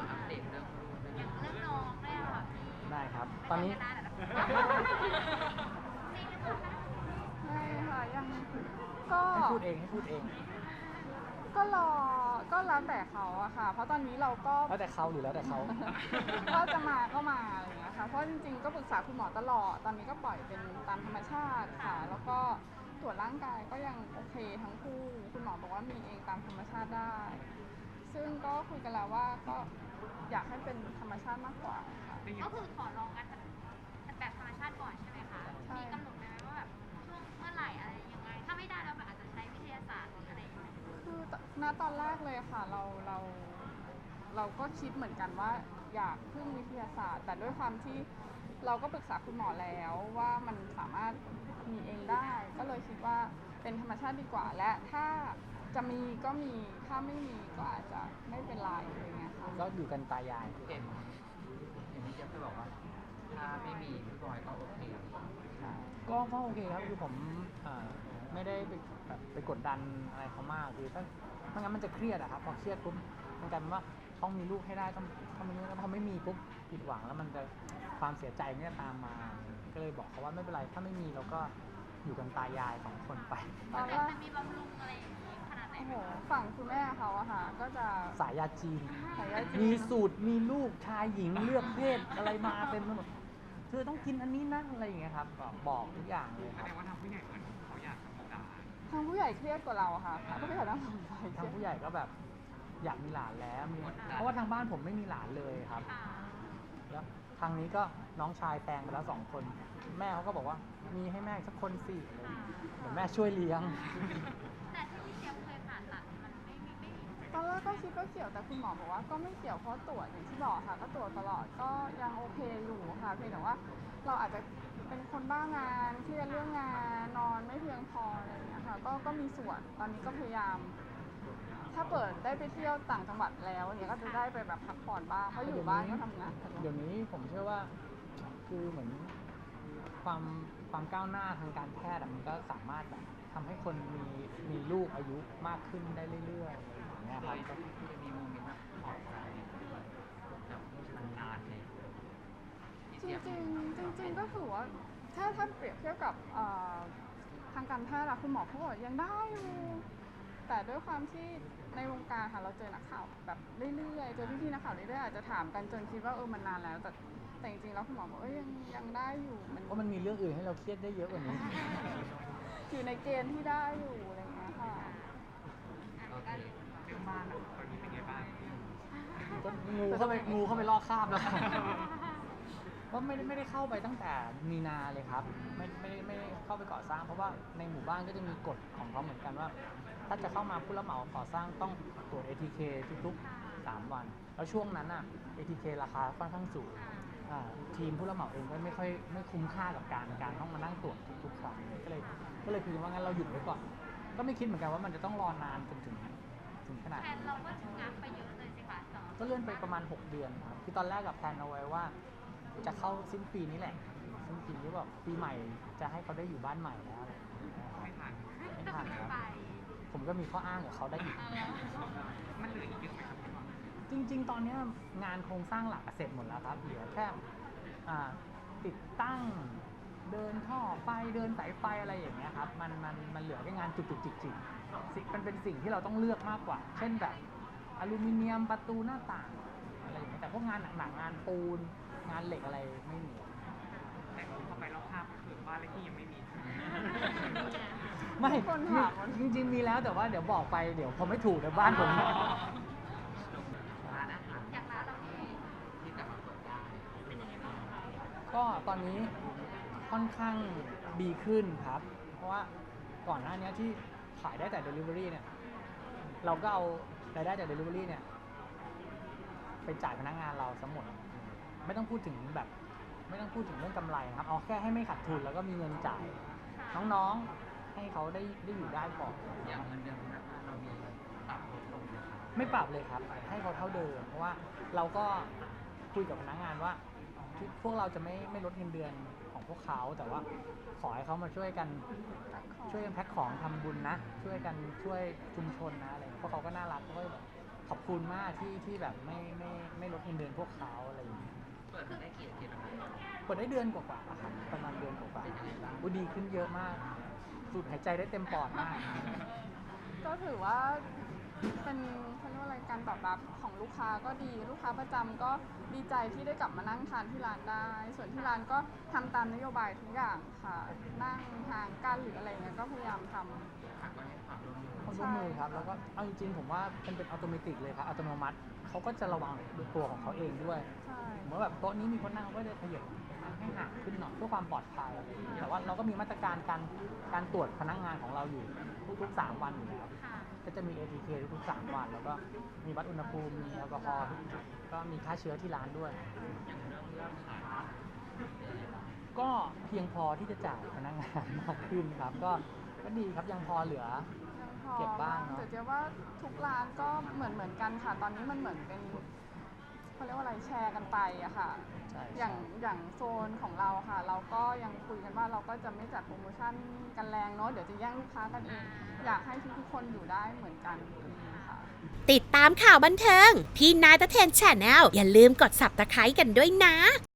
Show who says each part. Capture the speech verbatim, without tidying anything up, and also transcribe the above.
Speaker 1: มาอัปเดตเรื่องลูกได้ไหม
Speaker 2: อย่างเรื่องน้องเนี่ยค่ะพี่
Speaker 3: ได้ครับตอนนี้
Speaker 2: ไม่ใช่ก็ได้แต่นี่หรือเปล่าคะ
Speaker 4: ไม่ค่ะยังก็
Speaker 3: ให้พูดเองให้พูดเอง
Speaker 4: ก็รอก็แล้วแต่เขาอะค่ะ เพราะตอนนี้เราก็
Speaker 3: แล้วแต่เขาหรือแล้วแต่เขา
Speaker 4: ก็จะมาก็มาอะไรอย่างเงี้ยค่ะเพราะจริงๆก็ปรึกษาคุณหมอตลอดตอนนี้ก็ปล่อยเป็นตามธรรมชาติค่ะ แล้วก็ตรวจร่างกายก็ยังโอเคทั้งคู่คุณหมอบอกว่ามีเองตามธรรมชาติได้ ซึ่งก็คุยกันแล้วว่าก็อยากให้เป็นธรรมชาติมากกว่าค่ะ
Speaker 2: ก็คือขอลองกันแบบธรรมชาติก่อนใช่ไหมคะ
Speaker 4: ใช่
Speaker 2: มีกำหนดไหมว่าแบบช่วงเมื่อไหร่อะไรยังไง ถ้าไม่ได้เราแบบอาจจะใช้วิทยาศาสตร์หรืออะไรอย่างเงี้ย
Speaker 4: คือณตอนแรกเลยค่ะเราเราเราก็คิดเหมือนกันว่าอยากพึ่งวิทยาศาสตร์ แต่ด้วยความที่เราก็ปรึกษาคุณหมอแล้วว่ามันสามารถมีเองได้ ก็เลยคิดว่าเป็นธรรมชาติดีกว่า และถ้าจะมีก็มีถ้าไม่มีก็อาจจะไม่เป็นไรอะไรเงี้ยค่ะ
Speaker 3: ก็อยู่กันตายาย
Speaker 1: เห็นเห็นพี่เจี๊ยบเคยบอกว่าถ้าไม่มีพี่บอยก็โอเค
Speaker 3: ก็ก็โอเคครับคือผมอ่าไม่ได้ไปแบบไปกดดันอะไรเขามากคือถ้าไม่งั้นมันจะเครียดอะครับพอเครียดปุ๊บมันกลายเป็นว่าต้องมีลูกให้ได้ต้องต้องมีลูกแล้วพอไม่มีปุ๊บผิดหวังแล้วมันจะความเสียใจเนี่ยตามมา ก็เลยบอกเขาว่าไม่เป็นไรถ้าไม่มีเราก็อยู่กันตายายสองคนไป
Speaker 4: ตอนแรก
Speaker 2: จะมีบำรุงอะไรอย่างงี้ขนาดไหน
Speaker 4: โอ้โหฝั่งคุณแม่เขาอะค่ะ ก็จะ
Speaker 3: สายยาจีน
Speaker 4: สายยาจีน
Speaker 3: มีสูตรมีลูกชายหญิงเลือกเพศอะไรมาเต็มไปหมดเธอต้องกินอันนี้นะอะไรอย่างเงี้ยครับบอกบอกทุกอย่างเลย
Speaker 5: แส
Speaker 3: ครับ
Speaker 5: ดงว่าทางผู้ใหญ่เหมือนเขาอยากมีหลาน
Speaker 4: ทางผู้ใหญ่เครียดกว่าเราอะค่ะทางผู้ใหญ่ต้องสนใจเค
Speaker 3: ทาง
Speaker 4: รียด
Speaker 3: ผู้ใหญ่ก็แบบอยากมีหลานแล้วมีเพราะว่าทางบ้านผมไม่มีหลานเลยครับ
Speaker 2: ค่ะ
Speaker 3: แล้วทางนี้ก็น้องชายแปลงไปแล้วสองคน แม่เขาก็บอกว่ามีให้แม่อีกสักคนสิอะไรอย่างเงี้ยเดี๋ยวแม่ช่วยเลี้ยง
Speaker 2: แต่ที่พี่เจี๊ยบเคยผ่าตัดมันไม่มีไม่มี
Speaker 4: ตอนแรกก็คิดว่าเกี่ยวแต่คุณหมอบอกว่าก็ไม่เกี่ยวเพราะตรวจอย่างที่บอกค่ะ ก็ตรวจตลอดก็ยังโอเคอยู่ค่ะเพียงแต่ว่าเราอาจจะเป็นคนบ้างานเครียดเรื่องงานนอนไม่เพียงพออะไรอย่างเงี้ยค่ะก็ก็มีส่วนตอนนี้ก็พยายาม ถ้าเปิดได้ไปเที่ยวต่างจังหวัดแล้วเนี่ยก็จะได้ไปแบบพักผ่อนบ้างเพราะอยู่บ้านก็ทำงาน
Speaker 3: เดี๋ยวนี้ผมเชื่อว่าคือเหมือนความความก้าวหน้าทางการแพทย์อะมันก็สามารถแบบทำให้คนมีมีลูกอายุมากขึ้นได้เรื่อยๆอย่างเงี้ย
Speaker 1: เค
Speaker 3: ครับ
Speaker 1: ยที่จะมีโมเมนต์แบบถอดใจแบบนานๆเลยพี่
Speaker 4: จริ
Speaker 1: เจี๊ยบ
Speaker 4: งๆจริงๆก็ถือว่าถ้าถ้าเปรียบเทียบกับเอ่อทางการแพทย์อะคุณหมอเขาบอกยังได้อยู่แต่ด้วยความที่ในวงการค่ะเราเจอนักข่าวแบบเรื่อยๆเจอพี่ๆนักข่าวเรื่อยๆอาจจะถามกันจนคิดว่าเออมันนานแล้ว แต่แต่จริงๆแล้วคุณหมอบอกเอ้ยยังยังได้อยู่มัน
Speaker 3: เพราะมันมีเรื่องอื่นให้เราเครียดได้เยอะกว่านี้
Speaker 4: อยู่ในเกณฑ์ที่ได้อยู่อะไรอย่างเงี้ยค่ะ
Speaker 1: โอเค
Speaker 5: เรื่องบ้านอะตอนนี้เป็นไงบ้าง
Speaker 3: ก็งูเข้าไปงูเข้าไปลอกคราบแล้วครับว่าไม่ได้ไม่ได้เข้าไปตั้งแต่มีนาเลยครับไม่ไม่ได้ไม่ได้เข้าไปก่อสร้าง เพราะว่าในหมู่บ้านก็จะมีกฎของเขาเหมือนกันว่า ถ้าจะเข้ามาผู้รับเหมาก่อสร้างต้องตรวจ เอ ที เค ทุกๆสามวัน แล้วช่วงนั้นอ่ะ เอ ที เค ราคาค่อนข้างสูงอ่าทีมผู้รับเหมาเองก็ไม่ค่อยไม่คุ้มค่ากับการการต้องมานั่งตรวจทุกๆครั้งก็เลยก็เลยคุยกันว่างั้นเราหยุดไว้ก่อน ก็ไม่คิดเหมือนกันว่ามันจะต้องรอนานจนถึงถึงขนาด
Speaker 2: แทน
Speaker 3: นี้
Speaker 2: เราก็งับไปเยอะเลยสิคะสำหรับ
Speaker 3: ก็เลื่อนไปประมาณ หก เดือนครับคือตอนแรกกับแพลนเอาไว้ว่า จะเข้าสิ้นปีนี้แหละ สิ้นปีนี้แบบปีใหม่จะให้เขาได้อยู่บ้านใหม่แล้วอะไรอย่างเงี้ย
Speaker 5: ไม่ทัน
Speaker 3: ไม่ทันครับ
Speaker 2: ไป
Speaker 3: ผมก็มีข้ออ้างกับเขาได้อีก
Speaker 5: มันเหลืออีกเยอะไหมครับพี่บอล
Speaker 3: จริง ๆ ตอนเนี้ยงานโครงสร้างหลักเสร็จหมดแล้วครับ เหลือแค่อ่าติดตั้ง เดินท่อไฟ เดินสายไฟอะไรอย่างเงี้ยครับ มันมันมันเหลือแค่งานจุกจิกจิกจิกสิ่งมันเป็นสิ่งที่เราต้องเลือกมากกว่า เช่นแบบอลูมิเนียมประตูหน้าต่างอะไรอย่างเงี้ยแต่พวกงานหนักๆงานปูน งานเหล็กอะไรไม่มี
Speaker 5: แต่พอไปรอบภาพก็คือบ้านเลขที่ยังไม่มี
Speaker 3: ไม่
Speaker 4: คนถามว่า
Speaker 3: จริงๆมีแล้วแต่ว่าเดี๋ยวบอกไปเดี๋ยวผมไม่ถูกในบ้านผม
Speaker 1: ร้านอาหาร
Speaker 2: อยากร้านเราเอง
Speaker 1: ที่กลับมาเปิดได้
Speaker 2: เป็นยังไงบ้างคะ
Speaker 3: ก็ตอนนี้ค่อนข้างดีขึ้นครับ เพราะว่าก่อนหน้านี้ที่ขายได้แต่ Delivery เนี่ย เราก็เอารายได้จาก Delivery เนี่ย ไปจ่ายพนักงานเราทั้งหมด ไม่ต้องพูดถึงแบบ ไม่ต้องพูดถึงเรื่องกำไรนะครับ เอาแค่ให้ไม่ขาดทุนแล้วก็มีเงินจ่าย น้องๆ ให้เขาได้ได้อยู่ได้ก่อน
Speaker 1: อย่างเงินเดือนพนักงานเรามีปรับลดลงไหมครับ
Speaker 3: ไม่ปรับเลยครับ ให้เขาเท่าเดิม เพราะว่าเราก็คุยกับพนักงานว่าที่พวกเราจะไม่ไม่ลดเงินเดือนของพวกเขา แต่ว่าขอให้เขามาช่วยกันช่วยกันแพ็คของทำบุญนะ ช่วยกันช่วยชุมชนนะอะไรอย่างเงี้ยพวกเขาก็น่ารักเขาก็แบบขอบคุณมากที่ที่แบบไม่ไม่ไม่ลดงินเดือนพวกเขาอะไรอย่างเงี้ย
Speaker 1: เปิดมาได้กี่อาทิตย์แล้วครับ
Speaker 3: เปิดได้เดือนกว่าๆอะครับประมาณเดือนกว่า
Speaker 1: เป็นยังไงบ้าง
Speaker 3: ๆอุ๊ยดีขึ้นเยอะมากสูดหายใจได้เต็มปอดมาก
Speaker 4: ก็ถือว่าเป็นเขาเรียกว่าอะไรการตอบรับของลูกค้าก็ดีลูกค้าประจำก็ดีใจที่ได้กลับมานั่งทานที่ร้านได้ ส่วนที่ร้านก็ทำตามนโยบายทุกอย่างค่ะ นั่งห่างกันหรืออะไรเงี้ยก็พยายามทำ
Speaker 1: ค่ะก็ให้ความร่วมมือ
Speaker 3: ความร่วมมือครับ แล้วก็เอาจริงๆผมว่ามันเป็นอัตโนมัติเลยครับอัตโนมัติเขาก็จะระวังด้วยตัวของเขาเองด้วย
Speaker 4: ใช่
Speaker 3: เหมือนแบบโต๊ะนี้มีคนนั่งเขาก็จะขยับให้ห่างขึ้นหน่อยเพื่อความปลอดภัยแต่ว่าเราก็มีมาตรการการการตรวจพนักงานของเราอยู่ทุกๆสามวันอยู่แล้ว
Speaker 2: ค่ะ
Speaker 3: ก็จะมี เอ ที เค ทุกๆสามวัน แล้วก็มีวัดอุณหภูมิมีแอลกอฮอล์ทุกจุดก็มีฆ่าเชื้อที่ร้านด้วย
Speaker 1: อย่างเรื่องยอดขาย
Speaker 3: ก็เพียงพอที่จะจ่ายพนักงานมากขึ้นครับ ก็ก็ดีครับยังพอเหลือ
Speaker 4: ยังพอ
Speaker 3: เก็บบ้างเนอะ
Speaker 4: แต่เจ๊ว่าทุกร้านก็เหมือนเหมือนกันค่ะ ตอนนี้มันเหมือนเป็นเขาเรียกว่าอะไรแชร์กันไปอะค่ะ
Speaker 3: ใช่
Speaker 4: อย่างอย่างโซนของเราค่ะ เราก็ยังคุยกันว่าเราก็จะไม่จัดโปรโมชั่นกันแรงเนาะเดี๋ยวจะแย่งลูกค้ากันเอง อยากให้ทุกๆคนอยู่ได้เหมือนกันค่ะ
Speaker 6: ติดตามข่าวบันเทิง พี่นายตะเทนแชนแนลอย่าลืมกด ซับสไครบ์ กันด้วยนะ